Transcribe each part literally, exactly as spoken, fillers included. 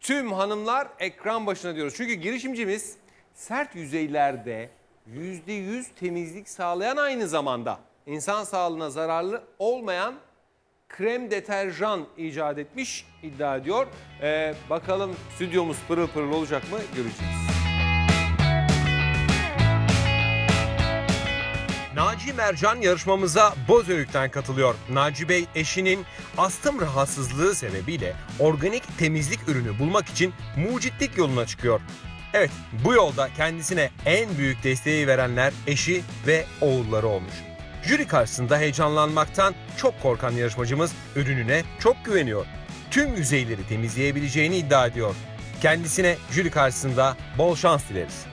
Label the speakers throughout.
Speaker 1: Tüm hanımlar ekran başına diyoruz. Çünkü girişimcimiz sert yüzeylerde yüzde yüz temizlik sağlayan, aynı zamanda insan sağlığına zararlı olmayan krem deterjan icat etmiş, iddia ediyor. Ee, bakalım stüdyomuz pırıl pırıl olacak mı, göreceğiz. Naci Mercan yarışmamıza Bozüyük'ten katılıyor. Naci Bey eşinin astım rahatsızlığı sebebiyle organik temizlik ürünü bulmak için mucitlik yoluna çıkıyor. Evet, bu yolda kendisine en büyük desteği verenler eşi ve oğulları olmuş. Jüri karşısında heyecanlanmaktan çok korkan yarışmacımız ürününe çok güveniyor. Tüm yüzeyleri temizleyebileceğini iddia ediyor. Kendisine jüri karşısında bol şans dileriz.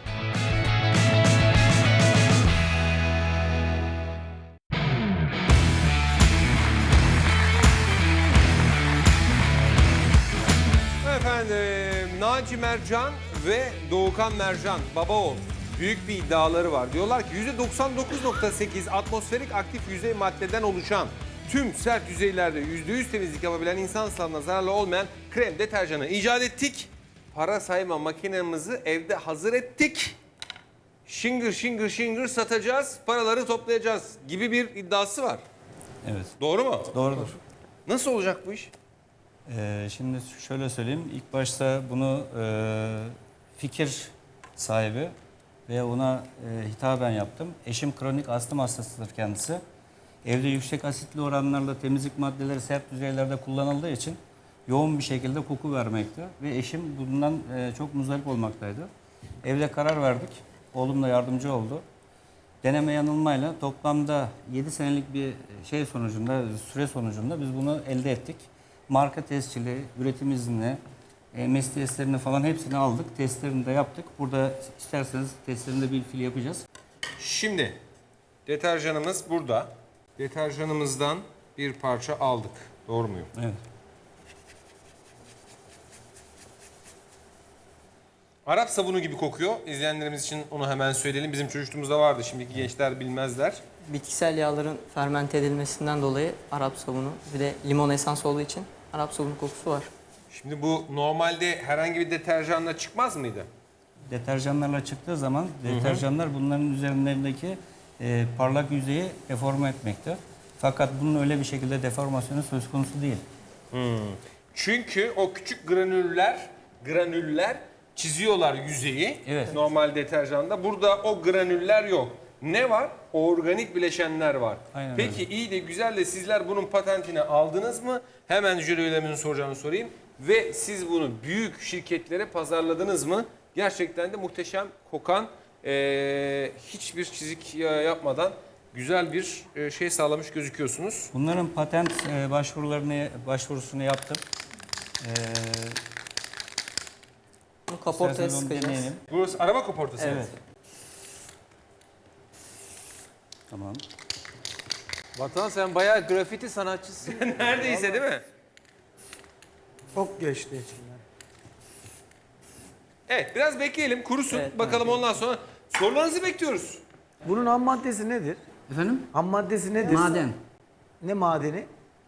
Speaker 1: Efendim, Naci Mercan ve Doğukan Mercan, baba oğul, büyük bir iddiaları var. Diyorlar ki yüzde doksan dokuz nokta sekiz atmosferik aktif yüzey maddeden oluşan, tüm sert yüzeylerde yüzde yüz temizlik yapabilen, insan sağlığına zararlı olmayan krem deterjanı icat ettik. Para sayma makinemizi evde hazır ettik. Şıngır şıngır şıngır satacağız, paraları toplayacağız gibi bir iddiası var.
Speaker 2: Evet.
Speaker 1: Doğru mu?
Speaker 2: Doğrudur.
Speaker 1: Nasıl olacak bu iş?
Speaker 2: Ee, şimdi şöyle söyleyeyim. İlk başta bunu e, fikir sahibi ve ona e, hitaben yaptım. Eşim kronik astım hastasıdır kendisi. Evde yüksek asitli oranlarla temizlik maddeleri sert yüzeylerde kullanıldığı için yoğun bir şekilde koku vermekte. Ve eşim bundan e, çok muzdarip olmaktaydı. Evde karar verdik. Oğlum da yardımcı oldu. Deneme yanılmayla toplamda yedi senelik bir şey sonucunda, süre sonucunda biz bunu elde ettik. Marka tescili, üretim izni, M S testlerini falan hepsini aldık. Testlerini de yaptık. Burada isterseniz testlerini de bir fil yapacağız.
Speaker 1: Şimdi deterjanımız burada. Deterjanımızdan bir parça aldık. Doğru muyum?
Speaker 2: Evet.
Speaker 1: Arap sabunu gibi kokuyor. İzleyenlerimiz için onu hemen söyleyelim. Bizim çocukluğumuzda vardı. Şimdiki gençler bilmezler.
Speaker 3: Bitkisel yağların fermente edilmesinden dolayı Arap sabunu, bir de limon esans olduğu için Arap sabunu kokusu var.
Speaker 1: Şimdi bu normalde herhangi bir deterjanla çıkmaz mıydı?
Speaker 2: Deterjanlarla çıktığı zaman deterjanlar bunların üzerlerindeki e, parlak yüzeyi deforme etmekte. Fakat bunun öyle bir şekilde deformasyonu söz konusu değil.
Speaker 1: Hmm. Çünkü o küçük granüller, granüller çiziyorlar yüzeyi.
Speaker 2: Evet.
Speaker 1: Normal deterjanda. Burada o granüller yok. Ne var? Organik bileşenler var.
Speaker 2: Aynen
Speaker 1: Peki
Speaker 2: öyle.
Speaker 1: iyi de güzel de sizler bunun patentini aldınız mı? Hemen jüri üyelerimizin soracağını sorayım. Ve siz bunu büyük şirketlere pazarladınız mı? Gerçekten de muhteşem kokan, e, hiçbir çizik yapmadan güzel bir e, şey sağlamış gözüküyorsunuz.
Speaker 2: Bunların patent e, başvurularını başvurusunu yaptım. E,
Speaker 3: Bunu kaportaya
Speaker 2: isterseniz onu
Speaker 3: sıkacağız.
Speaker 2: deneyelim.
Speaker 1: Burası araba kaportası mı?
Speaker 2: Evet. Tamam.
Speaker 4: Vatan, sen bayağı grafiti sanatçısın.
Speaker 1: Neredeyse değil mi?
Speaker 5: Çok geçti içinden.
Speaker 1: Evet, biraz bekleyelim, kurusun.
Speaker 3: Evet,
Speaker 1: Bakalım ondan sonra sorularınızı bekliyoruz.
Speaker 5: Bunun ham maddesi nedir?
Speaker 6: Efendim?
Speaker 5: Ham maddesi nedir?
Speaker 6: Maden.
Speaker 5: Ne madeni?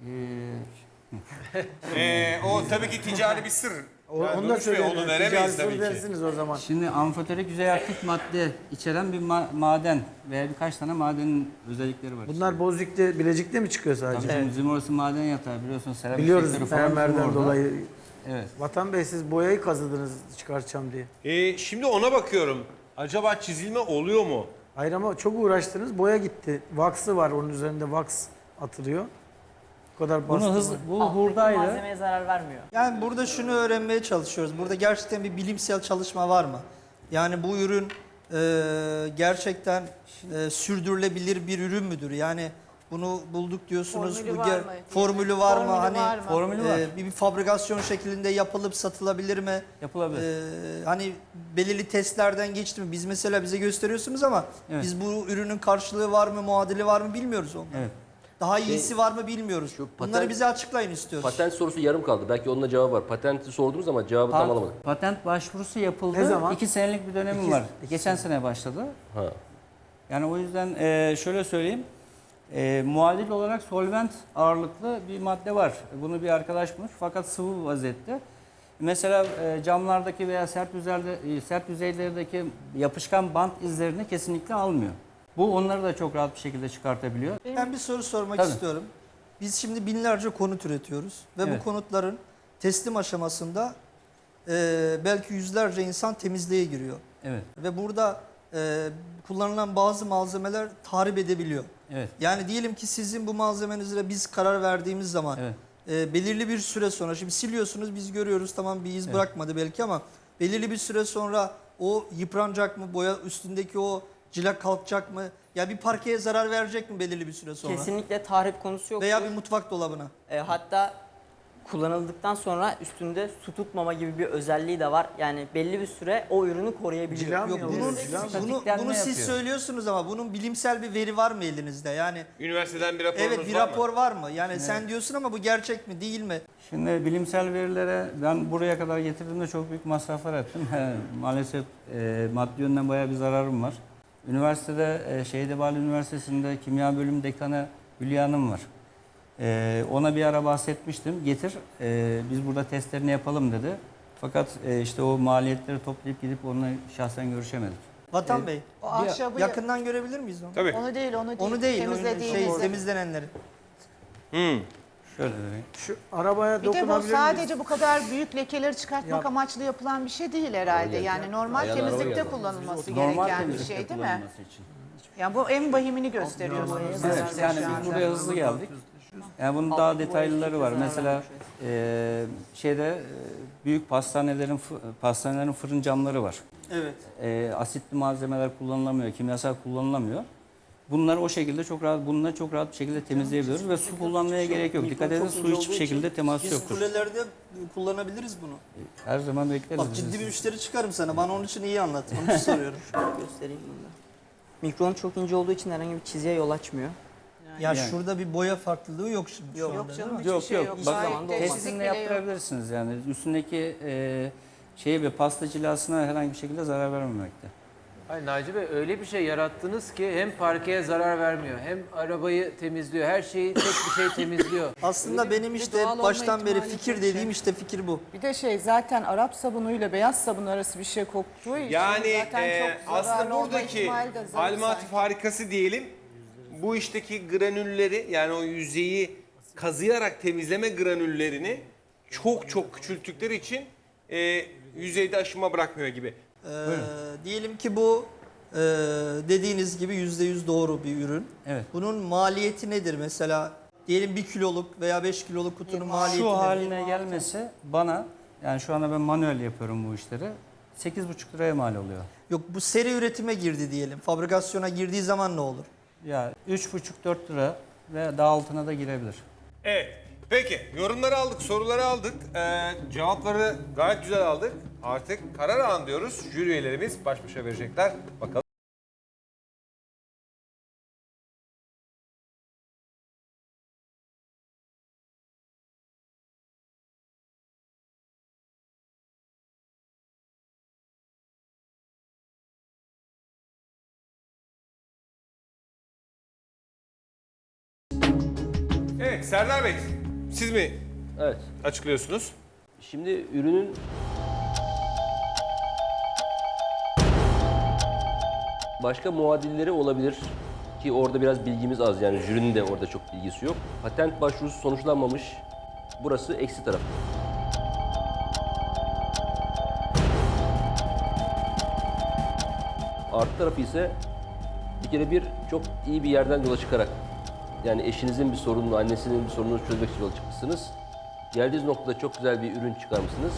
Speaker 1: Ee, o tabii ki ticari bir sır.
Speaker 5: O,
Speaker 1: Yani
Speaker 5: onu da
Speaker 1: Durmuş Bey,
Speaker 5: söyleyin.
Speaker 1: onu veremeyiz tabii ki.
Speaker 5: dersiniz o zaman.
Speaker 6: Şimdi amfoterik yüzey aktif madde içeren bir ma- maden veya birkaç tane madenin özellikleri var.
Speaker 5: Bunlar Bozüyük'te, Bilecik'te mi çıkıyor sadece?
Speaker 6: Tabii bizim orası maden yatağı, biliyorsun seramik
Speaker 5: Biliyoruz
Speaker 6: sektörü falan bizim
Speaker 5: mermerden
Speaker 6: orada.
Speaker 5: dolayı.
Speaker 6: Evet.
Speaker 5: Vatan Bey, siz boyayı kazıdınız çıkartacağım diye.
Speaker 1: Ee, şimdi ona bakıyorum. Acaba çizilme oluyor mu?
Speaker 5: Hayır ama çok uğraştınız, boya gitti. Vax'ı var, onun üzerinde wax atılıyor. Bu kadar
Speaker 6: Bunu
Speaker 5: bastı.
Speaker 6: hız, bu hurdaydı.
Speaker 3: Malzemeye zarar vermiyor.
Speaker 7: Yani burada şunu öğrenmeye çalışıyoruz. Burada gerçekten bir bilimsel çalışma var mı? Yani bu ürün e, gerçekten e, sürdürülebilir bir ürün müdür? Yani bunu bulduk diyorsunuz.
Speaker 8: Formülü
Speaker 7: bu
Speaker 8: var
Speaker 7: ger-
Speaker 8: mı?
Speaker 7: Formülü var mı?
Speaker 8: Formülü
Speaker 7: Hani
Speaker 8: var mı?
Speaker 6: Formülü var.
Speaker 7: e, bir, bir fabrikasyon şeklinde yapılıp satılabilir mi?
Speaker 6: Yapılabilir.
Speaker 7: E, hani belirli testlerden geçti mi? Biz mesela bize gösteriyorsunuz ama
Speaker 6: Evet.
Speaker 7: biz bu ürünün karşılığı var mı, muadili var mı bilmiyoruz onu.
Speaker 6: Evet.
Speaker 7: Daha iyisi var mı bilmiyoruz.
Speaker 9: Şu
Speaker 7: Bunları
Speaker 9: patent-
Speaker 7: bize açıklayın istiyoruz.
Speaker 9: Patent sorusu yarım kaldı. Belki onun da cevabı var. Patenti sordunuz ama cevabı tam alamadık.
Speaker 6: Patent başvurusu yapıldı.
Speaker 5: Ne zaman?
Speaker 6: İki senelik bir dönemim
Speaker 5: İki-
Speaker 6: var.
Speaker 5: iki
Speaker 6: Geçen sene başladı.
Speaker 9: Ha.
Speaker 6: Yani o yüzden e, şöyle söyleyeyim. E, muadil olarak solvent ağırlıklı bir madde var. Bunu bir arkadaş bulmuş fakat sıvı vaziyette. Mesela e, camlardaki veya sert yüzeyde, e, sert yüzeylerdeki yapışkan bant izlerini kesinlikle almıyor. Bu onları da çok rahat bir şekilde çıkartabiliyor.
Speaker 7: Ben bir soru sormak
Speaker 6: Tabii.
Speaker 7: istiyorum. Biz şimdi binlerce konut üretiyoruz ve
Speaker 6: Evet.
Speaker 7: bu konutların teslim aşamasında e, belki yüzlerce insan temizliğe giriyor.
Speaker 6: Evet,
Speaker 7: Ve burada e, kullanılan bazı malzemeler tahrip edebiliyor.
Speaker 6: evet,
Speaker 7: Yani diyelim ki sizin bu malzemenizle biz karar verdiğimiz zaman
Speaker 6: evet.
Speaker 7: e, belirli bir süre sonra, şimdi siliyorsunuz biz görüyoruz, tamam bir iz
Speaker 6: Evet.
Speaker 7: bırakmadı belki ama belirli bir süre sonra o yıpranacak mı, boya üstündeki o cila kalkacak mı? Ya bir parkeye zarar verecek mi belirli bir süre sonra?
Speaker 3: Kesinlikle tahrip konusu yok.
Speaker 7: Veya bir mutfak dolabına.
Speaker 3: E, hatta kullanıldıktan sonra üstünde su tutmama gibi bir özelliği de var. Yani belli bir süre o ürünü koruyabiliyor.
Speaker 5: Cila mı
Speaker 7: Yok
Speaker 5: yalıyor?
Speaker 7: bunun,
Speaker 5: Cila mı?
Speaker 7: bunu,
Speaker 6: Statiklenme
Speaker 7: bunu siz
Speaker 6: yapıyor.
Speaker 7: söylüyorsunuz ama bunun bilimsel bir veri var mı elinizde? Yani
Speaker 1: Üniversiteden bir raporunuz
Speaker 7: evet bir
Speaker 1: var mı?
Speaker 7: rapor var mı? Yani sen diyorsun ama bu gerçek mi değil mi?
Speaker 6: Şimdi bilimsel verilere ben buraya kadar getirdiğimde çok büyük masraflar ettim. He, maalesef e, maddi yönden bayağı bir zararım var. Üniversitede, e, Şehidebali Üniversitesi'nde kimya bölüm dekanı Hülya Hanım var. E, ona bir ara bahsetmiştim. Getir, e, biz burada testlerini yapalım dedi. Fakat e, işte o maliyetleri toplayıp gidip onunla şahsen görüşemedik.
Speaker 7: Vatan
Speaker 6: Evet.
Speaker 7: Bey,
Speaker 8: O ahşabı
Speaker 7: yakından görebilir miyiz onu?
Speaker 1: Tabii.
Speaker 8: onu değil, onu değil.
Speaker 7: Onu değil, onu
Speaker 8: Temizlediğinizde.
Speaker 7: şey, temizlenenleri.
Speaker 1: Hmm.
Speaker 6: Şöyle vereyim.
Speaker 5: Şu arabaya
Speaker 8: Bir de bu
Speaker 5: dokunabilir
Speaker 8: sadece
Speaker 5: miyiz?
Speaker 8: bu kadar büyük lekeleri çıkartmak
Speaker 5: Yap.
Speaker 8: amaçlı yapılan bir şey değil herhalde. Yani normal
Speaker 9: Ayağına araba
Speaker 8: temizlikte
Speaker 9: geldi.
Speaker 8: kullanılması
Speaker 6: Normal
Speaker 8: gereken bir
Speaker 6: temizlikte
Speaker 8: şey değil mi?
Speaker 6: kullanılması için.
Speaker 8: Yani bu en bahimini gösteriyor.
Speaker 6: Evet, yani biz buraya hızlı geldik. Yani bunun daha detaylıları var. Mesela e, şeyde e, büyük pastanelerin fı- pastanelerin fırın camları var.
Speaker 7: Evet.
Speaker 6: E, asitli malzemeler kullanılamıyor, kimyasal kullanılamıyor. Bunları o şekilde çok rahat, bununla çok rahat bir şekilde temizleyebiliyoruz ve su kullanmaya gerek yok. Dikkat edin, su hiçbir şekilde teması
Speaker 7: Biz
Speaker 6: yoktur.
Speaker 7: kulelerde kullanabiliriz bunu.
Speaker 6: Her zaman bekleriz.
Speaker 7: Bak
Speaker 6: biz
Speaker 7: ciddi
Speaker 6: de.
Speaker 7: bir müşteri çıkarım sana. Bana onun için iyi anlat. Onun için soruyorum.
Speaker 3: Göstereyim bunu da. Mikron çok ince olduğu için herhangi bir çizgiye yol açmıyor.
Speaker 7: Ya
Speaker 6: Yani.
Speaker 7: şurada bir boya farklılığı yok şimdi.
Speaker 3: Yok.
Speaker 7: şu
Speaker 8: Yok
Speaker 7: anda,
Speaker 8: canım
Speaker 7: değil mi?
Speaker 8: hiçbir
Speaker 6: Yok
Speaker 8: şey
Speaker 6: yok.
Speaker 8: yok.
Speaker 6: Bak,
Speaker 8: Gayet
Speaker 3: Zamanında
Speaker 8: temizlik
Speaker 6: testini
Speaker 8: bile yok.
Speaker 6: yaptırabilirsiniz yani. Üstündeki e, şey ve pasta cilasına herhangi bir şekilde zarar vermemekte.
Speaker 4: Hayır Naci Bey öyle bir şey yarattınız ki hem parkeye zarar vermiyor hem arabayı temizliyor. Her şeyi tek bir şey temizliyor.
Speaker 7: Aslında benim
Speaker 8: bir
Speaker 7: işte
Speaker 8: doğal olma
Speaker 7: baştan beri
Speaker 8: ihtimali
Speaker 7: fikir
Speaker 8: çok
Speaker 7: dediğim
Speaker 8: şey.
Speaker 7: işte fikir bu.
Speaker 8: Bir de şey zaten Arap sabunuyla beyaz sabun arası bir şey koktuğu için
Speaker 1: Yani
Speaker 8: zaten
Speaker 1: e,
Speaker 8: çok
Speaker 1: aslında
Speaker 8: zararlı olma
Speaker 1: buradaki
Speaker 8: ihtimali de zayıf
Speaker 1: almatif
Speaker 8: sanki.
Speaker 1: harikası diyelim. Bu işteki granülleri yani o yüzeyi kazıyarak temizleme granüllerini çok çok küçülttükleri için e, yüzeyde aşınma bırakmıyor gibi.
Speaker 7: Ee, diyelim ki bu e, dediğiniz gibi yüzde yüz doğru bir ürün.
Speaker 6: Evet.
Speaker 7: Bunun maliyeti nedir mesela? Diyelim bir kiloluk veya beş kiloluk kutunun maliyeti
Speaker 6: Şu
Speaker 7: nedir?
Speaker 6: haline gelmesi bana, yani şu anda ben manuel yapıyorum bu işleri, sekiz buçuk liraya mal oluyor.
Speaker 7: Yok bu seri üretime girdi diyelim. Fabrikasyona girdiği zaman ne olur?
Speaker 6: Ya üç buçuk dört lira ve daha altına da girebilir.
Speaker 1: Evet. Peki yorumları aldık, soruları aldık. Ee, cevapları gayet güzel aldık. Artık karar an diyoruz. Jüri üyelerimiz baş başa verecekler. Bakalım. Evet Serdar Bey, siz mi
Speaker 9: Evet.
Speaker 1: açıklıyorsunuz?
Speaker 9: Şimdi ürünün başka muadilleri olabilir ki orada biraz bilgimiz az, yani jürinin de orada çok bilgisi yok. Patent başvurusu sonuçlanmamış. Burası eksi taraf. Artı tarafı ise bir kere bir çok iyi bir yerden yola çıkarak, yani eşinizin bir sorununu, annesinin bir sorununu çözmek için yola çıkmışsınız. Geldiğiniz noktada çok güzel bir ürün çıkarmışsınız.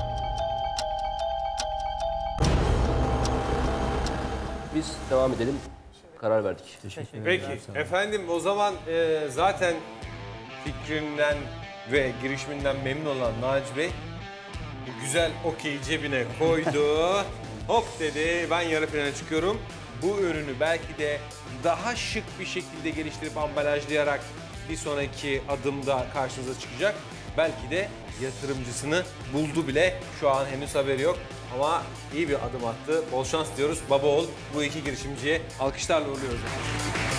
Speaker 9: Biz devam edelim. Karar verdik.
Speaker 6: Teşekkür ederim.
Speaker 1: Peki efendim o zaman e, zaten fikrinden ve girişiminden memnun olan Naci Bey bu güzel okeyi cebine koydu. Hop dedi ben yarı finale çıkıyorum. Bu ürünü belki de daha şık bir şekilde geliştirip ambalajlayarak bir sonraki adımda karşınıza çıkacak. Belki de yatırımcısını buldu bile. Şu an henüz haberi yok. Ama iyi bir adım attı. Bol şans diyoruz. Baba oğul bu iki girişimciye alkışlarla uğurluyoruz.